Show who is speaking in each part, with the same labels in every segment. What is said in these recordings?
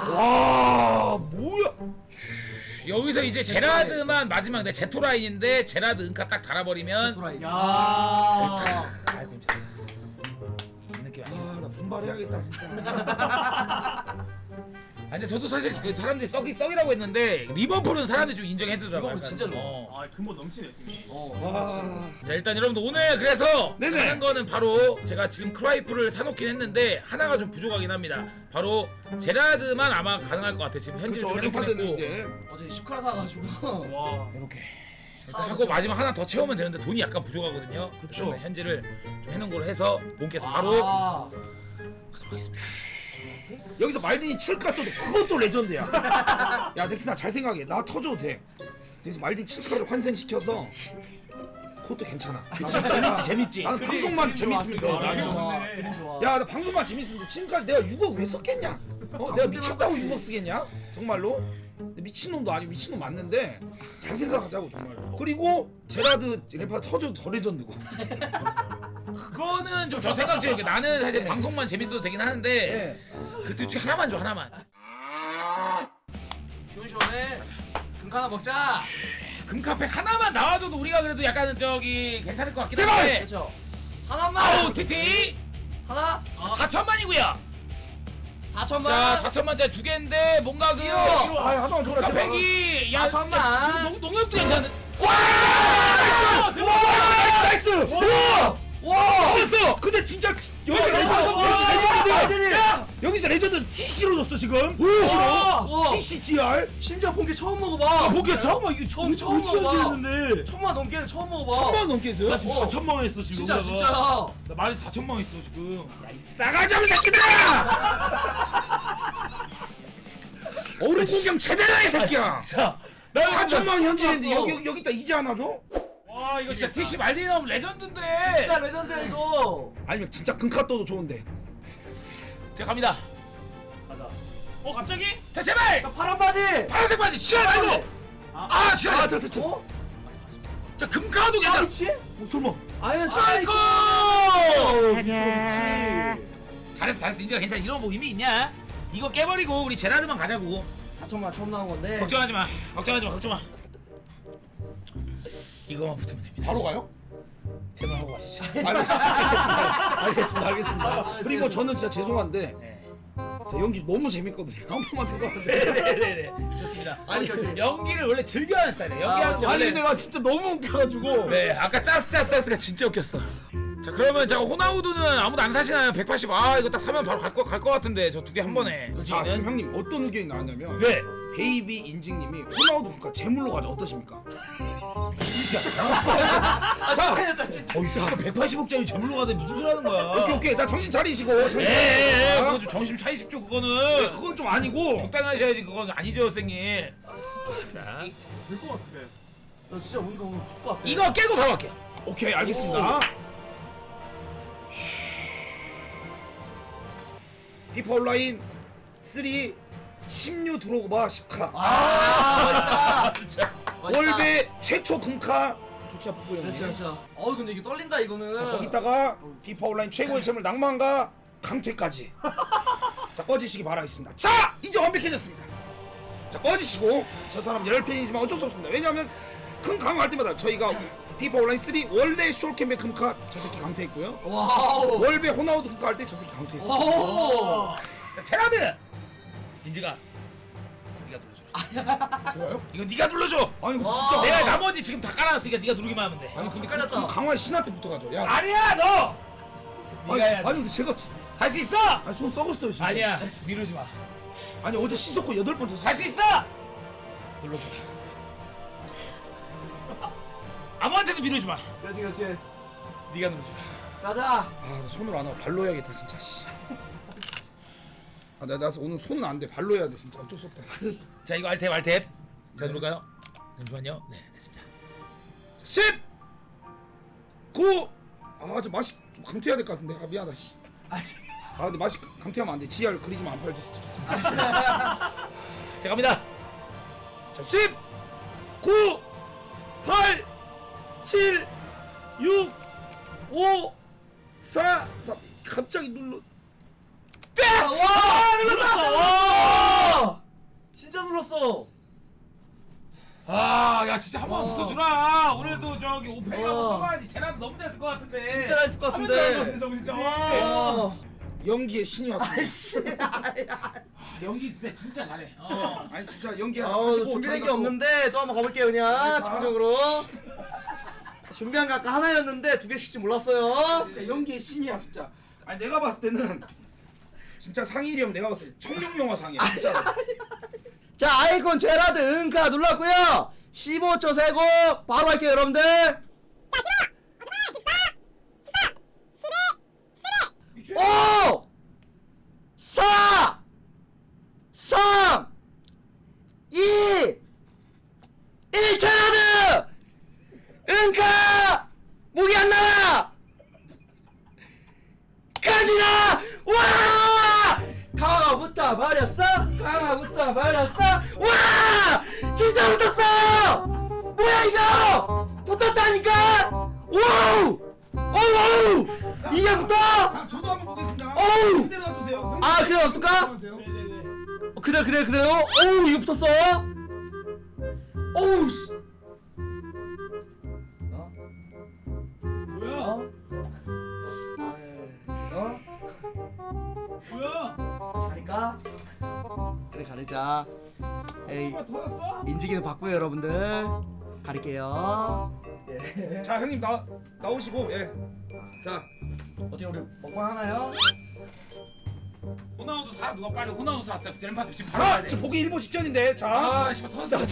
Speaker 1: 와 뭐야?
Speaker 2: 여기서 이제 제라드만 마지막 내 제토라인인데 제라드 은카 딱 달아버리면
Speaker 3: 제토라인.
Speaker 4: 야.
Speaker 2: 아이고 이제 이 느낌 아니겠어.
Speaker 1: 아나 분발해야겠다 진짜.
Speaker 2: 아 근데 저도 사실 그 사람들이 썩이라고 했는데 리버풀은 사람들이 좀 인정해주더라고요.
Speaker 3: 리버풀 진짜 좋아.
Speaker 4: 아 근본 넘치네 팀이.
Speaker 1: 와.
Speaker 2: 자, 일단 여러분들 오늘 그래서
Speaker 1: 네네.
Speaker 2: 하는 거는 바로 제가 지금 크라이프를 사놓긴 했는데 하나가 좀 부족하긴 합니다. 바로 제라드만 아마 가능할 것 같아요. 지금 현재
Speaker 1: 그쵸
Speaker 2: 좀 해놓긴
Speaker 1: 림파드는
Speaker 2: 했고
Speaker 1: 이제
Speaker 3: 어제 시크라 사가지고.
Speaker 4: 와.
Speaker 2: 이렇게 일단
Speaker 3: 하나
Speaker 2: 하고
Speaker 3: 더
Speaker 2: 마지막 하나 더 채우면 되는데 돈이 약간 부족하거든요.
Speaker 1: 그쵸.
Speaker 2: 그래서 현질을 좀 해놓은 걸로 해서 몸께서 바로
Speaker 3: 아.
Speaker 2: 가도록 하겠습니다.
Speaker 1: 여기서 말딘이 칠까 또 그것도 레전드야. 야 넥슨아 잘 생각해. 나 터져도 돼. 여기서 말딘 칠카를 환생시켜서 그것도 괜찮아.
Speaker 2: 그치, 재밌지, 재밌지.
Speaker 1: 나는 방송만 재밌으면 돼.
Speaker 3: 그림
Speaker 1: 나는.
Speaker 3: 좋아.
Speaker 4: 네.
Speaker 3: 그림 좋아.
Speaker 1: 야 나 방송만 재밌으면 지금까지 내가 6억 왜 썼겠냐? 내가 미쳤다고 6억 쓰겠냐? 정말로? 미친놈도 아니고 미친놈 맞는데 잘 생각하자고 정말로. 그리고 제라드 램파드 터져도 더 레전드고.
Speaker 2: 그거는 좀 저 생각 지금 나는 사실 방송만 재밌어도 되긴 하는데
Speaker 1: 네.
Speaker 2: 그 둘 중에 하나만 줘 하나만.
Speaker 3: 시원시원해. 금카 하나 먹자.
Speaker 2: 금카팩 하나만 나와줘도 우리가 그래도 약간 저기 괜찮을 것 같긴
Speaker 1: 제발!
Speaker 2: 한데.
Speaker 3: 그렇죠. 하나만.
Speaker 2: 아우 TT
Speaker 3: 하나.
Speaker 2: 4천만이고요.
Speaker 3: 4천만.
Speaker 2: 자 4천만짜리 두 개인데 뭔가 그
Speaker 1: 아 하나만 줘라 제발.
Speaker 2: 금카팩이 야
Speaker 3: 4천만.
Speaker 2: 농협도 괜찮은.
Speaker 1: 나이스! 우와!
Speaker 3: 와.
Speaker 1: 있었어! 근데 진짜 여기서 레전드! 여기서 레전드 TC로 줬어 지금! TC로!
Speaker 3: 와.
Speaker 1: TC GR!
Speaker 3: 심지어 본게 처음 먹어봐.
Speaker 1: 본게 처음?
Speaker 3: 이거 처음 먹어봐. 천만 넘게는 처음 먹어봐.
Speaker 1: 천만 넘게 했어요?
Speaker 4: 나 지금 4천만 원 했어 지금.
Speaker 3: 진짜
Speaker 4: 여기다가.
Speaker 3: 진짜야.
Speaker 4: 나 말이 4천만 원 있어 지금.
Speaker 1: 야이 싸가지 없는 새끼들아! 어른 신경 제대로 해 새끼야!
Speaker 4: 자.
Speaker 1: 4천만 원 현질했는데 여기다 이제 하나 줘?
Speaker 2: 와 이거 진짜 TC 말디 나오면 레전드인데.
Speaker 3: 진짜 레전드야 이거.
Speaker 1: 아니면 진짜 금카또도 좋은데
Speaker 2: 제가 갑니다.
Speaker 4: 가자. 갑자기?
Speaker 2: 자 제발
Speaker 3: 자 파란 바지.
Speaker 2: 파란색 바지 취할 말고. 아 취할.
Speaker 1: 저
Speaker 3: 어?
Speaker 2: 자 금카도
Speaker 3: 아
Speaker 2: 괜찮아.
Speaker 3: 미치?
Speaker 1: 설마
Speaker 3: 아니
Speaker 2: 아이고.
Speaker 3: 미치.
Speaker 2: 잘했어 인정 괜찮아. 이런 뭐 의미 있냐? 이거 깨버리고 우리 제라르만 가자고.
Speaker 3: 4천만 처음 나온 건데.
Speaker 2: 걱정하지 마. 걱정 마. 이거만 붙으면 됩니다.
Speaker 1: 바로 가요?
Speaker 2: 제발 하고 가시죠.
Speaker 1: 알겠습니다. 그리고 저는 진짜 죄송한데
Speaker 2: 네.
Speaker 1: 저 연기 너무 재밌거든요. 한 번만 들어가는데.
Speaker 2: 네네네. 좋습니다.
Speaker 3: 아니
Speaker 2: 연기를 원래 즐겨하는 스타일이에요. 연기하는 거
Speaker 1: 아니
Speaker 2: 원래.
Speaker 1: 근데 나 진짜 너무 웃겨가지고.
Speaker 2: 네, 아까 짜스가 진짜 웃겼어. 자, 그러면 자 호나우두는 아무도 안 사시나요? 180. 아, 이거 딱 사면 바로 갈 거 같은데 저 두 개 한 번에.
Speaker 1: 자 지금 형님 어떤 의견이 나왔냐면
Speaker 2: 네.
Speaker 1: 베이비 인증님이 호나우두 국가 제물로 가자 어떠십니까?
Speaker 3: 아 잘했다 진짜.
Speaker 2: 어이, 씨가 180억짜리 저물로 가는데 무슨 소리 하는 거야?
Speaker 1: 오케이 자 정신 차리시고 정신
Speaker 2: 예,
Speaker 1: 차리시고.
Speaker 2: 그건 좀 정신 차리십시오, 그거는.
Speaker 1: 그건 좀 아니고
Speaker 2: 적당히 하셔야지, 그건 아니죠, 선생님. 좋습니다.
Speaker 4: 될것 같아.
Speaker 3: 나 진짜 우리가 오늘 붙을 것 같아.
Speaker 2: 이거 깨고 바로 갈게요.
Speaker 1: 오케이 알겠습니다. 피파 온라인 3 16 드로그바 10카
Speaker 3: 아
Speaker 2: 진짜.
Speaker 3: 맛있다.
Speaker 1: 월배 최초 금카 두차 뽑고 형님.
Speaker 3: 그렇죠 그렇죠. 근데 이게 떨린다 이거는.
Speaker 1: 자 거기다가 피파 온라인 최고의 재물 낭만과 강퇴까지 자 꺼지시기 바라겠습니다. 자 이제 완벽해졌습니다. 자 꺼지시고 저 사람 열팬이지만 어쩔 수 없습니다. 왜냐하면 큰 강화할 때마다 저희가 피파 온라인 3 원래 숄캠백 금카 저 새끼 강퇴했고요.
Speaker 3: 와우.
Speaker 1: 월배 호나우드 금카 할 때 저 새끼 강퇴했어.
Speaker 3: 오.
Speaker 2: 자, 제라드! 인지가 네가 눌러줘라.
Speaker 1: 좋아요?
Speaker 2: 이건 네가 눌러줘.
Speaker 1: 아니 근데
Speaker 3: 와.
Speaker 1: 진짜
Speaker 2: 내가 나머지 지금 다 깔아놨으니까 네가 누르기만 하면 돼.
Speaker 1: 아니 근데
Speaker 3: 깔렸다.
Speaker 1: 강화의 신한테 붙어가죠. 야
Speaker 2: 아니야, 너!
Speaker 1: 아니,
Speaker 2: 네가 해야 돼.
Speaker 1: 아니 근데 제가
Speaker 2: 할 수 있어!
Speaker 1: 아니 손 썩었어요 진짜.
Speaker 2: 아니야, 미루지 마.
Speaker 1: 아니 어제 씻었고 8번 더
Speaker 2: 할 수 있어! 눌러줘라. 아무한테도 미루지 마.
Speaker 3: 그렇지 그렇지.
Speaker 2: 네가 눌러줘라.
Speaker 3: 가자.
Speaker 1: 나 손으로 안 하고 발로 해야겠다 진짜 씨. 나 오늘 손은 안 돼. 발로 해야 돼 진짜 어쩔 수 없다.
Speaker 2: 자, 이거 알탭. 자, 누를까요? 잠시만요. 네, 됐습니다.
Speaker 1: 10 9 저 맛이 좀 강퇴해야 될 것 같은데. 미안하다 씨. 근데 맛이 강퇴하면 안 돼. GR 그리지만 안 팔지.
Speaker 2: 자, 갑니다.
Speaker 1: 자 10 9 8 7 6 5 4 3 갑자기 눌러.
Speaker 3: 와 눌렀어. 붙었어.
Speaker 2: 아야 진짜 한 번 붙어주라. 오늘도 저기 오페이하고
Speaker 3: 어.
Speaker 2: 써봐야지. 쟤랑 너무 잘쓸 것 같은데.
Speaker 3: 진짜 잘쓸 것
Speaker 4: 하면 잘할 것
Speaker 3: 같은데.
Speaker 4: 같은데 저거 진짜.
Speaker 3: 어.
Speaker 1: 연기의 신이 왔습니다.
Speaker 3: 아이씨.
Speaker 2: 연기 진짜 잘해.
Speaker 1: 아니 진짜 연기
Speaker 3: 어,
Speaker 1: 하시고
Speaker 3: 준비된 게
Speaker 1: 저희가 또
Speaker 3: 없는데 또 한번 가볼게요 그냥
Speaker 1: 자.
Speaker 3: 집중적으로. 준비한 거 아까 하나였는데 두 개씩지 몰랐어요.
Speaker 1: 진짜 연기의 신이야 진짜. 아니 내가 봤을 때는 진짜 상일이 형 내가 봤을 때 청룡영화 상이야 진짜.
Speaker 3: 자, 아이콘 제라드 응카 눌렀고요. 15초 세고 바로 할게요 여러분들. 5 4 3 2 1 제라드 응카 무기 안 나와. 가지라! 와! 강화가 붙다 말렸어? 강화가 붙다 말렸어? 와! 진짜 붙었어! 뭐야 이거! 붙었다니까! 와우! 어우! 이게 붙어?
Speaker 1: 자 저도 한번 보겠습니다.
Speaker 3: 어우!
Speaker 1: 그대로 놔두세요.
Speaker 3: 아 그래 어떨까?
Speaker 4: 네네네.
Speaker 3: 그래요? 어우 이거 붙었어? 어우 씨.
Speaker 4: 뭐야?
Speaker 3: 어?
Speaker 4: 뭐야?
Speaker 3: 가릴까? 그래 가리자. 에이
Speaker 2: 터졌어?
Speaker 3: 인지기는 바꾸요 여러분들. 가릴게요. 예.
Speaker 1: 자 형님 나오시고 예. 자
Speaker 3: 어떻게 우리 먹방 하나요?
Speaker 2: 호나우두 사 누가 빨리 호나우두 사. 램파드 지금 바로
Speaker 1: 자,
Speaker 2: 가야 돼.
Speaker 1: 지금 보기 일보 직전인데 자.
Speaker 2: 아 씨발 터졌어.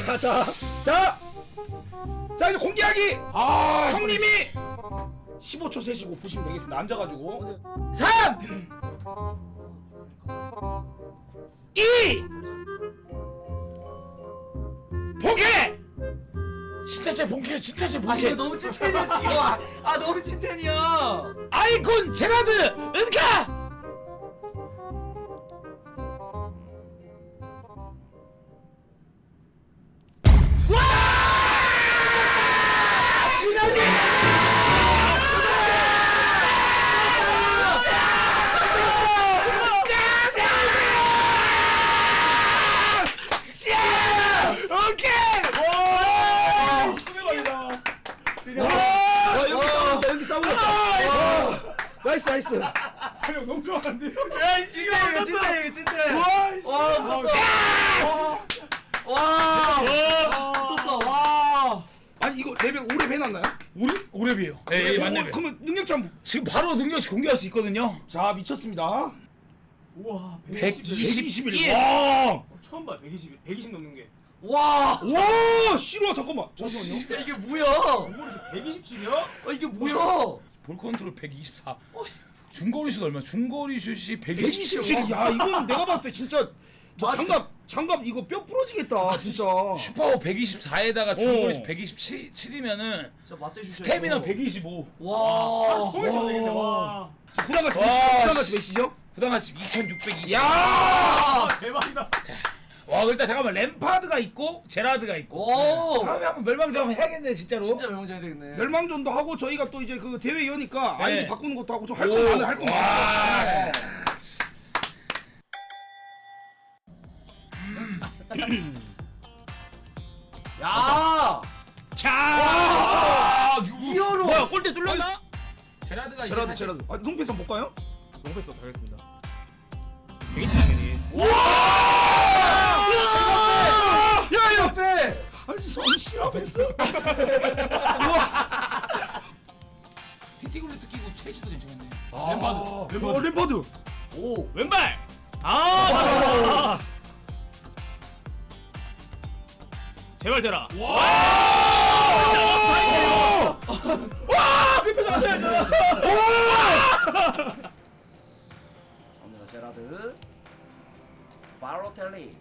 Speaker 1: 자 이제 공개하기.
Speaker 2: 아
Speaker 1: 형님이 15초 세시고 보시면 되겠습니다. 앉아가지고
Speaker 2: 3 2 본캐! 진짜 제 본캐 진짜 제
Speaker 3: 아
Speaker 2: 본캐.
Speaker 3: 이거 너무 찐텐이야 지금. 아 너무 찐텐이야.
Speaker 2: 아이콘 제라드 은카.
Speaker 1: 여기 싸우고 나이스.
Speaker 4: 형 너무 좋아하는데.
Speaker 3: 야 찐텐 이거 찐텐. 와 붙었어. 와.
Speaker 1: 아니 이거 레벨 오래 해놨나요?
Speaker 2: 우리 오랩이에요. 예, 맞네.
Speaker 1: 그러면 능력치 한번.
Speaker 2: 지금 바로 능력치 공개할 수 있거든요.
Speaker 1: 자 미쳤습니다.
Speaker 4: 우와.
Speaker 2: 121.
Speaker 1: 와.
Speaker 4: 처음 봐. 120 넘는 게.
Speaker 3: 와.
Speaker 1: 와 싫어 잠깐만요.
Speaker 3: 야, 이게 뭐야?
Speaker 4: 이거를 127이야?
Speaker 3: 이게 뭐야?
Speaker 2: 볼 컨트롤 124. 중거리 슛 얼마? 중거리 슛이
Speaker 1: 127.
Speaker 2: 127.
Speaker 1: 야 이건 내가 봤을 때 진짜 저 장갑 이거 뼈 부러지겠다 진짜.
Speaker 2: 슈퍼 124에다가 중거리 슛 127이면은
Speaker 3: 진짜 맞대 주셔.
Speaker 2: 스태미나 125.
Speaker 3: 와.
Speaker 4: 처음에 되겠네. 와.
Speaker 1: 구단같이
Speaker 2: 와,
Speaker 1: 구단같이 몇이죠?
Speaker 2: 부담가치 2620.
Speaker 1: 야.
Speaker 4: 아, 대박이다.
Speaker 2: 와 일단 잠깐만 램파드가 있고 제라드가 있고.
Speaker 3: 오.
Speaker 2: 다음에 한번 멸망전 한번 해야겠네 진짜로.
Speaker 3: 진짜 명장이 되겠네.
Speaker 1: 멸망전도 하고 저희가 또 이제 그 대회 이어니까
Speaker 2: 네.
Speaker 1: 아이디 바꾸는 것도 하고 좀 할 거 많아 할거 많아.
Speaker 2: 와.
Speaker 3: 야.
Speaker 2: 자.
Speaker 3: 와.
Speaker 2: 아,
Speaker 3: 이어로.
Speaker 4: 뭐야? 골대 뚫렸나?
Speaker 2: 제라드가
Speaker 1: 제라드. 아 롱패스 한번 볼까요?
Speaker 4: 농패스 가겠습니다. 120이니.
Speaker 3: 야 옆에.
Speaker 1: 아니 손 실화 패스.
Speaker 2: 티티글루트 끼고 트레이치도 괜찮네.
Speaker 1: 램파드.
Speaker 3: 오.
Speaker 4: 왼발. 아, 맞아. 제발 되라.
Speaker 3: 갑니다 제라드. 바로텔리.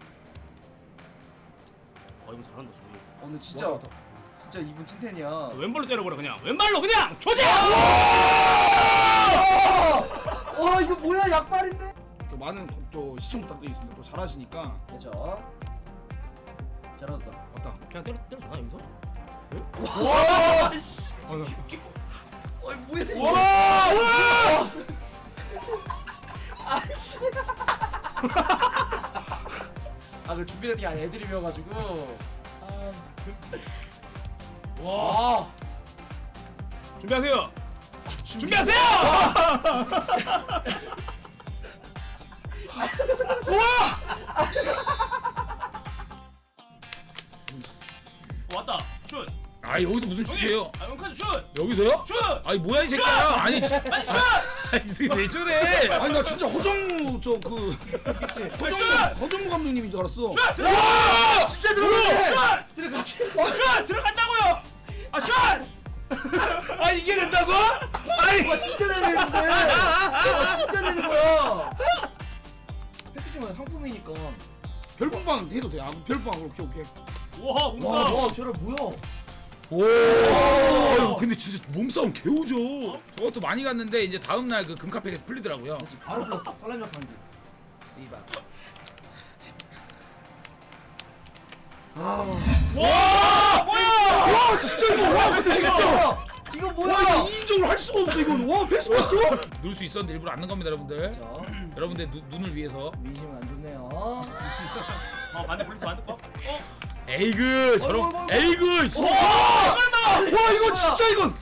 Speaker 4: 이거 잘한다 소리.
Speaker 3: 오늘 진짜 이분 찐텐이야.
Speaker 4: 왼발로 때려버려 그냥. 왼발로 그냥 조져.
Speaker 3: 와 이거 뭐야 약발인데?
Speaker 1: 또 많은 또 시청 부탁드리겠습니다. 또 잘하시니까
Speaker 3: 그렇죠. 제라드다.
Speaker 1: 왔다.
Speaker 4: 그냥 때려잖아 여기서.
Speaker 3: 와. 씨. 어이 뭐야 이거?
Speaker 4: 와.
Speaker 3: 아씨. 그 준비된 게 아니라 애드립이어가지고.
Speaker 4: 와. 준비하세요. 준비하세요. 왔다. 슛.
Speaker 2: 아 여기서 무슨 슛이에요?
Speaker 4: 아 용칸 슛.
Speaker 2: 여기서요?
Speaker 4: 슛.
Speaker 2: 아니 뭐야 이 새끼야? 아니
Speaker 4: 아니 슛.
Speaker 2: 이 새끼 왜 저래?
Speaker 1: 아니 나 진짜 허정무 저그
Speaker 3: 그치?
Speaker 1: 허정무 감독님인 줄 알았어.
Speaker 4: 슛. 들어가.
Speaker 3: 진짜 들어갔네.
Speaker 4: 슛.
Speaker 3: 들어갔지.
Speaker 4: 슛 들어간다고요. 아 슛.
Speaker 2: 아 이게 된다고? 아니
Speaker 3: 와 진짜 내리는데. 와 진짜 내는 거야. 패키지만 상품이니까.
Speaker 1: 별풍방 해도 돼. 아 별풍방 오케이.
Speaker 4: 와
Speaker 3: 와,
Speaker 4: 몸싸움.
Speaker 3: 와 쟤라 뭐야?
Speaker 2: 오. 아유, 근데 진짜 몸싸움 개우죠. 저것도 많이 갔는데 이제 다음 날 그 금카페에서 풀리더라고요.
Speaker 3: 그렇지 바로 불렀어. 살라미 약한 게.
Speaker 2: 씨발.
Speaker 4: 와 뭐야?
Speaker 1: 와 진짜 이거 와 근데 진짜
Speaker 3: 이거
Speaker 1: 와
Speaker 3: 뭐야?
Speaker 1: 이거 인정을 할 수가 없어 이건. 와 패스 봤어?
Speaker 2: 넣을 수 있었는데 일부러 안 넣은 겁니다, 여러분들.
Speaker 3: 자,
Speaker 2: 여러분들 눈을 위해서.
Speaker 3: 민심은 안 좋네요.
Speaker 4: 반대 볼트 반대 거.
Speaker 2: 에이그 저런 에이그 진짜.
Speaker 1: 와 이거 진짜 이건.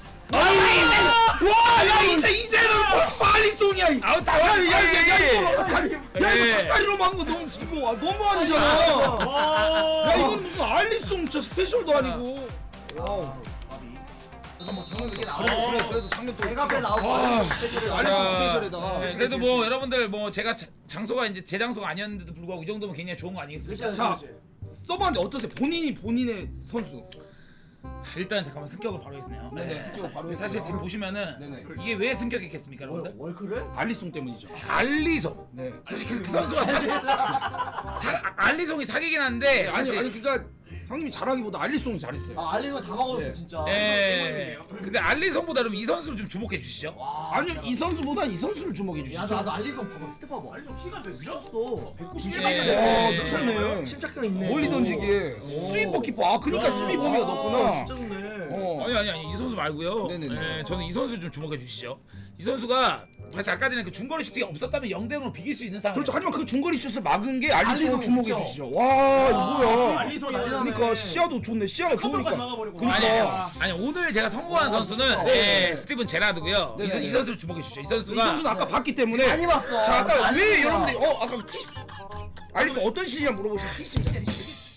Speaker 1: 와야 이제는 빨리 송이야.
Speaker 2: 아우 다리
Speaker 1: 야 이거 닭다리로 막은 거 너무 이거 너무 아니잖아. 야 이건 무슨 알리송 저 스페셜도 아니고. 와우.
Speaker 3: 한번 장면 이게
Speaker 1: 그래
Speaker 3: 나오고.
Speaker 1: 그래도 장면 또.
Speaker 3: 배가 배 나오고.
Speaker 1: 알리송 스페셜에다가.
Speaker 2: 네, 그래도 뭐 여러분들 뭐 제가 장소가 이제 제 장소가 아니었는데도 불구하고 이 정도면 굉장히 좋은 거 아니겠습니까?
Speaker 1: 자 써봤는데 어떠세요? 본인의 선수.
Speaker 2: 일단 잠깐만 승격을 바로 했네요.
Speaker 1: 네네 스키고 바로
Speaker 2: 사실 지금 보시면은
Speaker 1: 네네.
Speaker 2: 이게 왜 승격했겠습니까, 여러분들?
Speaker 3: 월크를?
Speaker 1: 알리송 때문이죠.
Speaker 2: 알리송.
Speaker 1: 네.
Speaker 2: 사실 그 선수가 알리송이 사기긴 한데
Speaker 1: 아니
Speaker 2: 사실
Speaker 1: 그러니까 형님이 잘하기보다 알리송이 잘했어요.
Speaker 3: 아 알리가 다 먹었어
Speaker 1: 네.
Speaker 3: 진짜.
Speaker 2: 예. 근데 알리송보다 그럼 이 선수를 좀 주목해 주시죠.
Speaker 1: 아니요 이 선수보다 이 선수를 주목해
Speaker 3: 야
Speaker 1: 주시죠.
Speaker 3: 나도 알리가 봐봐 스텝 봐봐.
Speaker 4: 아니 좀 키가 몇
Speaker 3: 미쳤어.
Speaker 4: 190.
Speaker 2: 예.
Speaker 1: 와 미쳤네.
Speaker 3: 침착감 있네.
Speaker 1: 멀리 던지기에 스위퍼 키퍼. 아 그러니까 수비 범위가 높구나.
Speaker 3: 진짜 좋네.
Speaker 1: 어.
Speaker 2: 아니 이 선수 말고요.
Speaker 1: 네네네.
Speaker 2: 예, 저는 이 선수 좀 주목해 주시죠. 이 선수가 사실 아까 전에 그 중거리 슈팅이 없었다면 0대0으로 비길 수 있는 상황.
Speaker 1: 그렇죠. 하지만 그 중거리 슛을 막은 게 알리송
Speaker 3: 알리송,
Speaker 1: 주목해
Speaker 3: 그쵸.
Speaker 1: 주시죠. 와 이거 뭐야?
Speaker 4: 알리송이
Speaker 1: 그러니까 시야도 좋네. 시야가 좋으니까.
Speaker 4: 막아버리고.
Speaker 1: 그러니까.
Speaker 2: 아니 오늘 제가 선고한 선수는
Speaker 3: 진짜.
Speaker 2: 예, 스티븐 제라드고요.
Speaker 1: 네네.
Speaker 2: 이 선수를 주목해 주시죠. 이 선수가
Speaker 1: 이 선수는 아까 봤기 때문에.
Speaker 3: 많이 봤어.
Speaker 1: 자 아까
Speaker 3: 많이
Speaker 1: 왜
Speaker 3: 봤어.
Speaker 1: 여러분들 아까 티 알리송 어떤 시냐 물어보시면 티십니다. 티십.